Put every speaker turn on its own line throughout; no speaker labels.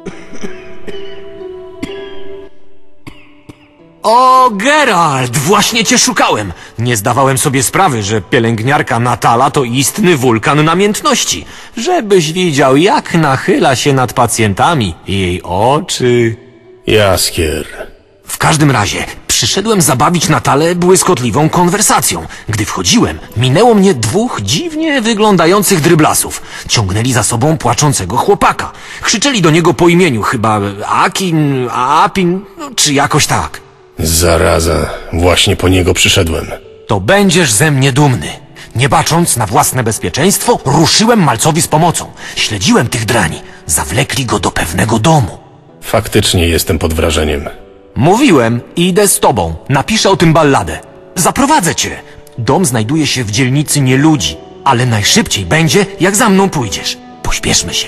O, Geralt! Właśnie cię szukałem! Nie zdawałem sobie sprawy, że pielęgniarka Natala to istny wulkan namiętności. Żebyś widział, jak nachyla się nad pacjentami. Jej oczy...
Jaskier.
W każdym razie, przyszedłem zabawić Natalę błyskotliwą konwersacją. Gdy wchodziłem, minęło mnie dwóch dziwnie wyglądających dryblasów. Ciągnęli za sobą płaczącego chłopaka. Krzyczeli do niego po imieniu, chyba Akin, Apin, czy jakoś tak.
Zaraza. Właśnie po niego przyszedłem.
To będziesz ze mnie dumny. Nie bacząc na własne bezpieczeństwo, ruszyłem malcowi z pomocą. Śledziłem tych drani. Zawlekli go do pewnego domu.
Faktycznie jestem pod wrażeniem.
Mówiłem, idę z tobą. Napiszę o tym balladę. Zaprowadzę cię. Dom znajduje się w dzielnicy Nieludzi, ale najszybciej będzie, jak za mną pójdziesz. Pośpieszmy się.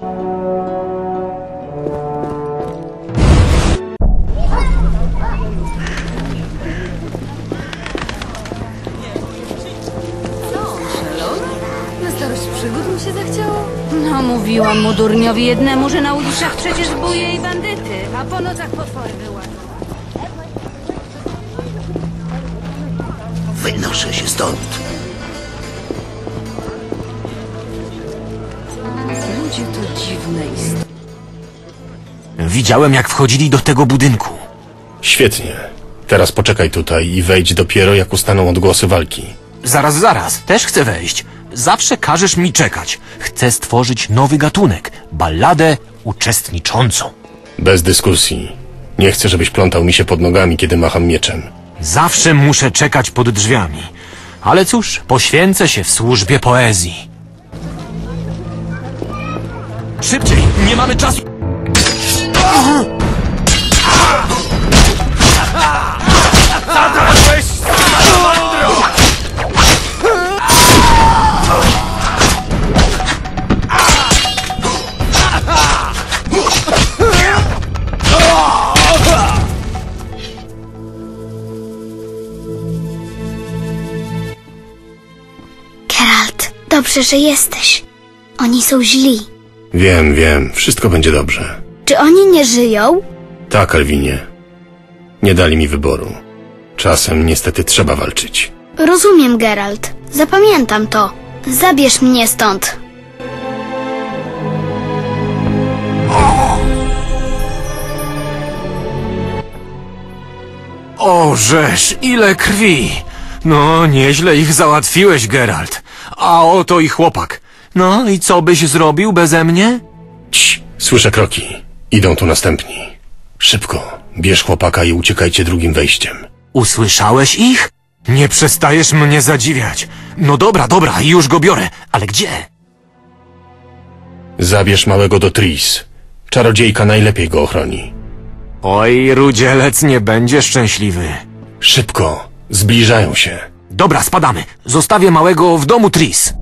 Na starość przygód mu się zachciało? No, mówiłam mu durniowi jednemu, że na ulicach przecież buje i bandyty, a po nocach potwory wyłażą.
Wynoszę się stąd.
Ludzie to dziwne istoty.
Widziałem, jak wchodzili do tego budynku.
Świetnie. Teraz poczekaj tutaj i wejdź dopiero, jak ustaną odgłosy walki.
Zaraz. Też chcę wejść. Zawsze każesz mi czekać. Chcę stworzyć nowy gatunek. Balladę uczestniczącą.
Bez dyskusji. Nie chcę, żebyś plątał mi się pod nogami, kiedy macham mieczem.
Zawsze muszę czekać pod drzwiami. Ale cóż, poświęcę się w służbie poezji. Szybciej! Nie mamy czasu!
Geralt, dobrze, że jesteś. Oni są źli.
Wiem. Wszystko będzie dobrze.
Czy oni nie żyją?
Tak, Alwinie. Nie dali mi wyboru. Czasem niestety trzeba walczyć.
Rozumiem, Geralt. Zapamiętam to. Zabierz mnie stąd.
O, żeż, ile krwi! No, nieźle ich załatwiłeś, Geralt. A oto i chłopak. No i co byś zrobił beze mnie?
Cii, słyszę kroki. Idą tu następni. Szybko, bierz chłopaka i uciekajcie drugim wejściem.
Usłyszałeś ich? Nie przestajesz mnie zadziwiać. No dobra, już go biorę. Ale gdzie?
Zabierz małego do Tris. Czarodziejka najlepiej go ochroni.
Oj, rudzielec nie będzie szczęśliwy.
Szybko, zbliżają się.
Dobra, spadamy. Zostawię małego w domu Tris.